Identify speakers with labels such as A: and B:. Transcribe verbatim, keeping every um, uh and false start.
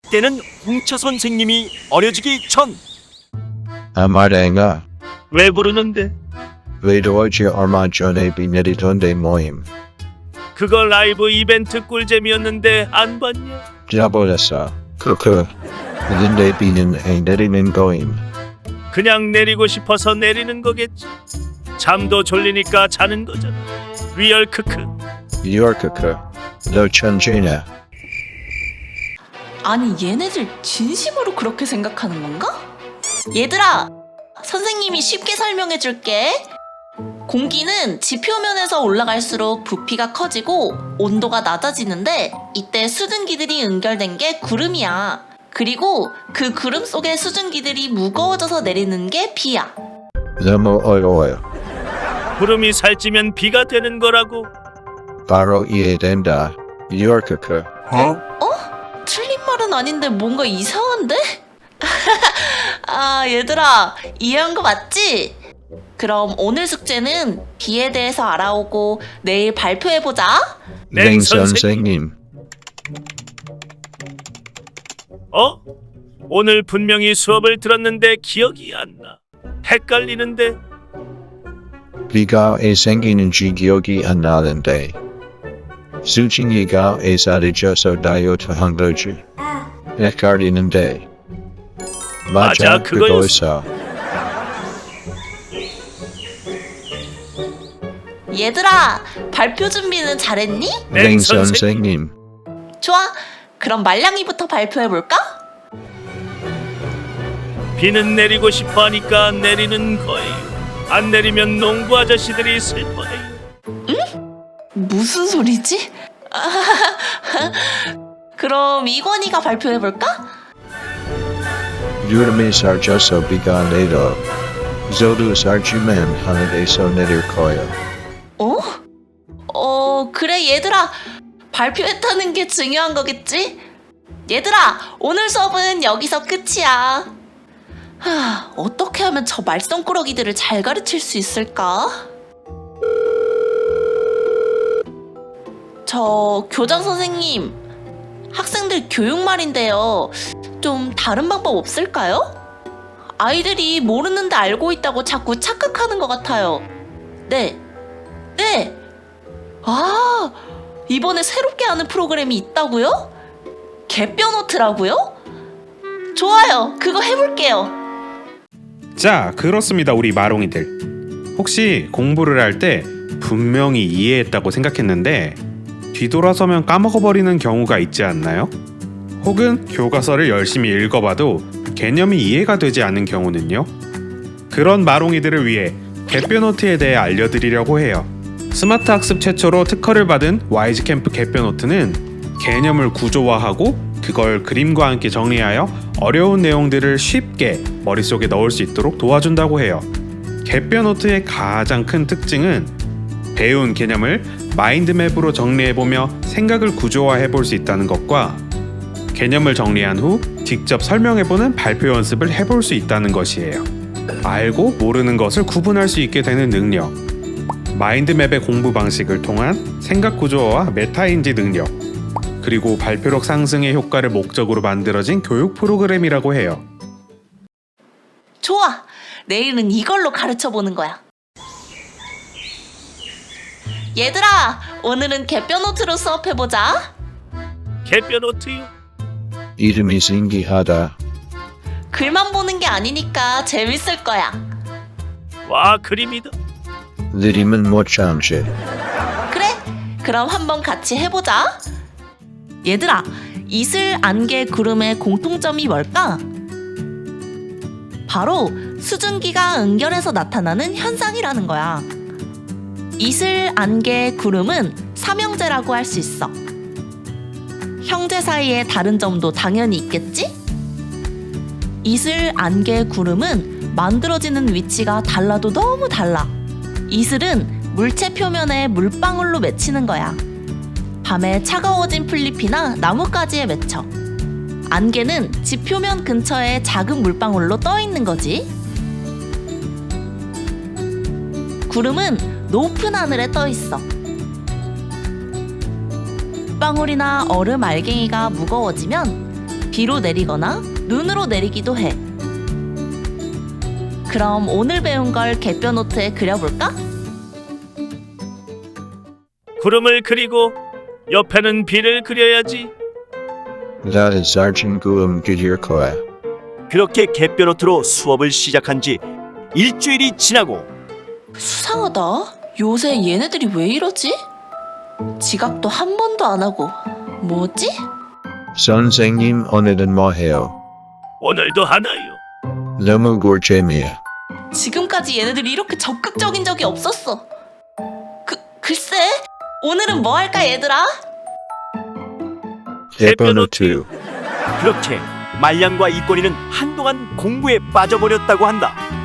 A: 이때는 홍차 선생님이 어려지기 전.
B: 아마랭아,
A: 왜 부르는데?
B: 외도어지 얼마 전에 비 내리던데 모임.
A: 그거 라이브 이벤트 꿀잼이었는데 안 봤냐?
B: 잡아냈어. 크크. 근데 비는 애 내리는 거임.
A: 그냥 내리고 싶어서 내리는 거겠지. 잠도 졸리니까 자는 거잖아. 리얼 크크.
B: 뉴욕크크. 너 천재냐?
C: 아니 얘네들 진심으로 그렇게 생각하는 건가? 얘들아, 선생님이 쉽게 설명해 줄게. 공기는 지표면에서 올라갈수록 부피가 커지고 온도가 낮아지는데 이때 수증기들이 응결된 게 구름이야. 그리고 그 구름 속의 수증기들이 무거워져서 내리는 게 비야.
B: 너무 어려워요.
A: 구름이 살찌면 비가 되는 거라고.
B: 바로 이해된다. 뉴욕크크.
C: 틀린 말은 아닌데 뭔가 이상한데? 아, 얘들아, 이해한 거 맞지? 그럼 오늘 숙제는 비에 대해서 알아오고 내일 발표해보자.
B: 냉 선생님.
A: 어? 오늘 분명히 수업을 들었는데 기억이 안 나. 헷갈리는데.
B: 비가 왜 생기는지 기억이 안 나는데. 수증기가 왜 사라져서 다이어트 한 거지? 헷갈리는데. 맞아,
A: 맞아, 그거였어.
B: 그거였어.
C: 얘들아, 발표 준비는 잘했니?
B: 냉 선생님.
C: 좋아, 그럼 말랑이부터 발표해볼까?
A: 비는 내리고 싶어 하니까 내리는 거예요. 안 내리면 농부 아저씨들이 슬퍼해요.
C: 무슨 소리지? 그럼 이권이가 발표해볼까?
B: 유름이 살쪄서 비가 내려. 저도 살찌면 하늘에서 내릴 거야.
C: 어? 어, 그래 얘들아, 발표했다는 게 중요한 거겠지? 얘들아, 오늘 수업은 여기서 끝이야. 하, 어떻게 하면 저 말썽꾸러기들을 잘 가르칠 수 있을까? 저 교장 선생님, 학생들 교육 말인데요. 좀 다른 방법 없을까요? 아이들이 모르는데 알고 있다고 자꾸 착각하는 것 같아요. 네, 네. 아, 이번에 새롭게 하는 프로그램이 있다고요? 개뼈노트라고요? 좋아요, 그거 해볼게요.
D: 자, 그렇습니다. 우리 마롱이들. 혹시 공부를 할 때 분명히 이해했다고 생각했는데 뒤돌아서면 까먹어버리는 경우가 있지 않나요? 혹은 교과서를 열심히 읽어봐도 개념이 이해가 되지 않는 경우는요? 그런 마롱이들을 위해 개뼈노트에 대해 알려드리려고 해요. 스마트 학습 최초로 특허를 받은 와이즈캠프 개뼈노트는 개념을 구조화하고 그걸 그림과 함께 정리하여 어려운 내용들을 쉽게 머릿속에 넣을 수 있도록 도와준다고 해요. 개뼈노트의 가장 큰 특징은 배운 개념을 마인드맵으로 정리해보며 생각을 구조화해볼 수 있다는 것과 개념을 정리한 후 직접 설명해보는 발표 연습을 해볼 수 있다는 것이에요. 알고 모르는 것을 구분할 수 있게 되는 능력, 마인드맵의 공부 방식을 통한 생각 구조화와 메타인지 능력, 그리고 발표력 상승의 효과를 목적으로 만들어진 교육 프로그램이라고 해요.
C: 좋아, 내일은 이걸로 가르쳐보는 거야. 얘들아, 오늘은 개뼈노트로 수업해보자.
A: 개뼈노트요?
B: 이름이 신기하다.
C: 글만 보는 게 아니니까 재밌을 거야.
A: 와, 그림이다.
B: 느림은 못 참지.
C: 그래, 그럼 한번 같이 해보자. 얘들아, 이슬, 안개, 구름의 공통점이 뭘까? 바로 수증기가 응결해서 나타나는 현상이라는 거야. 이슬, 안개, 구름은 삼형제라고 할 수 있어. 형제 사이에 다른 점도 당연히 있겠지? 이슬, 안개, 구름은 만들어지는 위치가 달라도 너무 달라. 이슬은 물체 표면에 물방울로 맺히는 거야. 밤에 차가워진 풀잎이나 나뭇가지에 맺혀. 안개는 집 표면 근처에 작은 물방울로 떠 있는 거지. 구름은 높은 하늘에 떠 있어. 방울이나 얼음 알갱이가 무거워지면 비로 내리거나 눈으로 내리기도 해. 그럼 오늘 배운 걸 갯벼 노트에 그려볼까?
A: 구름을 그리고 옆에는 비를 그려야지.
B: That is Sergeant Guam Gidierkoa.
E: 그렇게 갯벼노트로 수업을 시작한 지 일주일이 지나고
C: 수상하다. 요새 얘네들이 왜 이러지? 지각도 한 번도 안 하고. 뭐지?
B: 선생님 오늘은 뭐해요?
A: 오늘도 하나요.
B: 너무 gor잼이야.
C: 지금까지 얘네들이 이렇게 적극적인 적이 없었어. 그, 글쎄, 오늘은 뭐 할까 얘들아?
B: 에버노트.
E: 그렇게 말량과 이권이는 한동안 공부에 빠져버렸다고 한다.